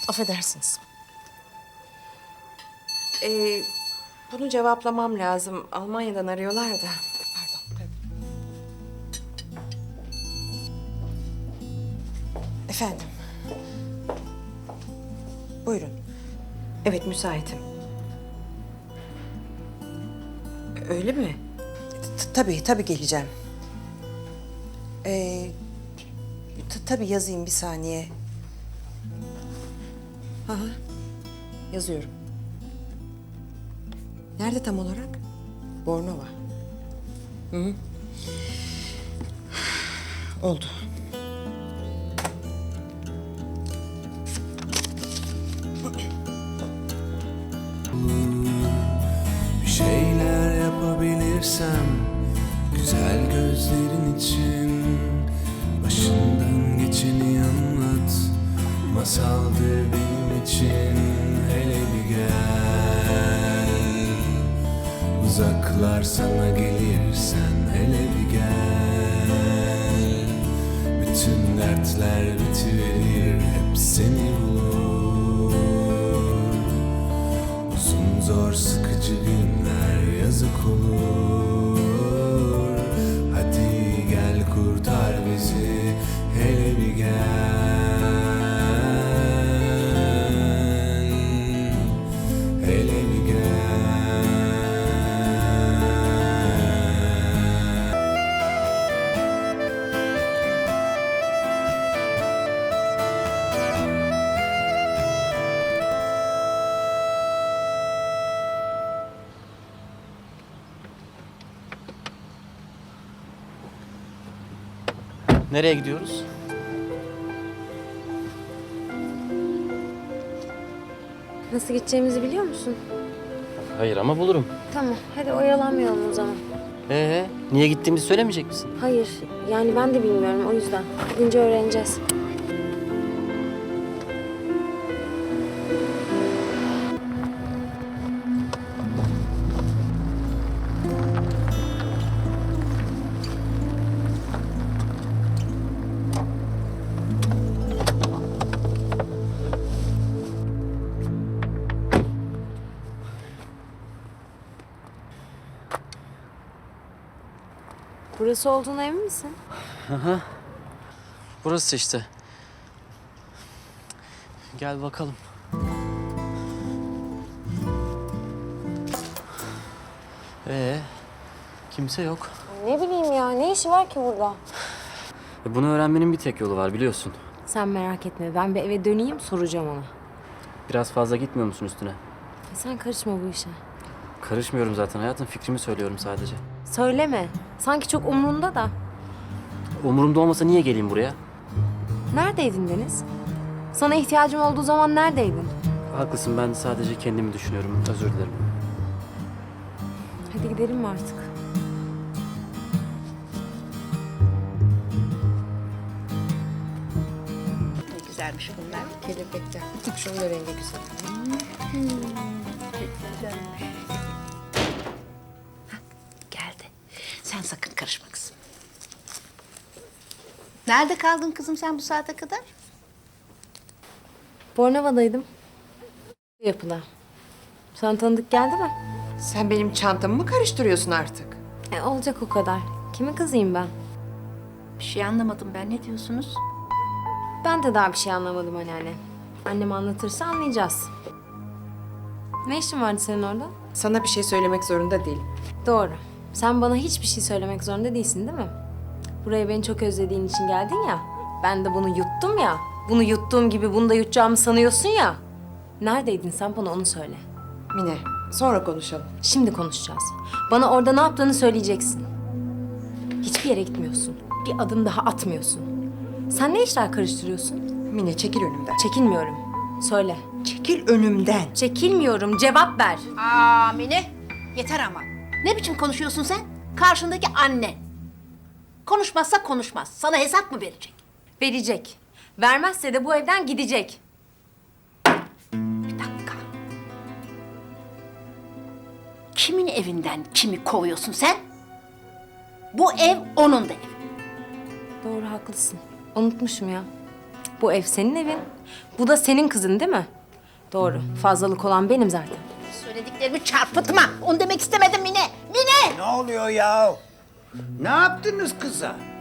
Affedersiniz. Bunu cevaplamam lazım. Almanya'dan arıyorlar da. Pardon. Tabii. Efendim. Buyurun. Evet, müsaitim. Öyle mi? Tabii geleceğim. Tabii yazayım bir saniye. Hı hı. Yazıyorum. Nerede tam olarak? Bornova. Hı hı. Oldu. Bir şeyler yapabilirsem güzel gözlerin için başından geçeni anlat. Masaldır benim için, hele bir gel. Uzaklar sana gelirsen hele bir gel. Bütün dertler bitiverir, hep seni bulur. Uzun zor sıkıcı günler yazık olur. Hadi gel kurtar bizi, hele bir gel. Hele bir gel. Nereye gidiyoruz? Nasıl gideceğimizi biliyor musun? Hayır ama bulurum. Tamam, hadi oyalanmayalım o zaman. Niye gittiğimizi söylemeyecek misin? Hayır, yani ben de bilmiyorum o yüzden. Gidince öğreneceğiz. Burası olduğuna emin misin? Burası işte. Gel bakalım. Kimse yok. Ne bileyim ya, ne işi var ki burada? Bunu öğrenmenin bir tek yolu var biliyorsun. Sen merak etme, ben bir eve döneyim soracağım ona. Biraz fazla gitmiyor musun üstüne? Sen karışma bu işe. Karışmıyorum zaten hayatım, fikrimi söylüyorum sadece. Söyleme, sanki çok umrunda da. Umurumda olmasa niye geleyim buraya? Neredeydin Deniz? Sana ihtiyacım olduğu zaman neredeydin? Haklısın, ben sadece kendimi düşünüyorum, özür dilerim. Hadi gidelim mi artık? Ne güzelmiş bunlar. Kelebekler. Şunun da rengi güzel. Geldi. Sen sakın karışma kızım. Nerede kaldın kızım sen bu saate kadar? Bornova'daydım. Yapıla. Sana tanıdık geldi mi? Sen benim çantamı mı karıştırıyorsun artık? Olacak o kadar. Kimin kızıyım ben? Bir şey anlamadım ben. Ne diyorsunuz? Ben de daha bir şey anlamadım anneanne. Annem anlatırsa anlayacağız. Ne işin vardı senin orada? Sana bir şey söylemek zorunda değilim. Doğru. Sen bana hiçbir şey söylemek zorunda değilsin değil mi? Buraya beni çok özlediğin için geldin ya. Ben de bunu yuttum ya. Bunu yuttuğum gibi bunu da yutacağımı sanıyorsun ya. Neredeydin sen bana onu söyle. Mine, sonra konuşalım. Şimdi konuşacağız. Bana orada ne yaptığını söyleyeceksin. Hiçbir yere gitmiyorsun. Bir adım daha atmıyorsun. Sen ne işler karıştırıyorsun? Mine, çekil önümden. Çekinmiyorum. Söyle. Çekil önümden. Çekilmiyorum. Cevap ver. Aa Mine, yeter ama. Ne biçim konuşuyorsun sen? Karşındaki anne. Konuşmazsa konuşmaz. Sana hesap mı verecek? Verecek. Vermezse de bu evden gidecek. Bir dakika. Kimin evinden kimi kovuyorsun sen? Bu ev onun da evi. Doğru haklısın. Unutmuşum ya. Bu ev senin evin. Bu da senin kızın değil mi? Doğru. Fazlalık olan benim zaten. Söylediklerimi çarpıtma. Onu demek istemedim Mine. Mine! Ne oluyor ya? Ne yaptınız kıza?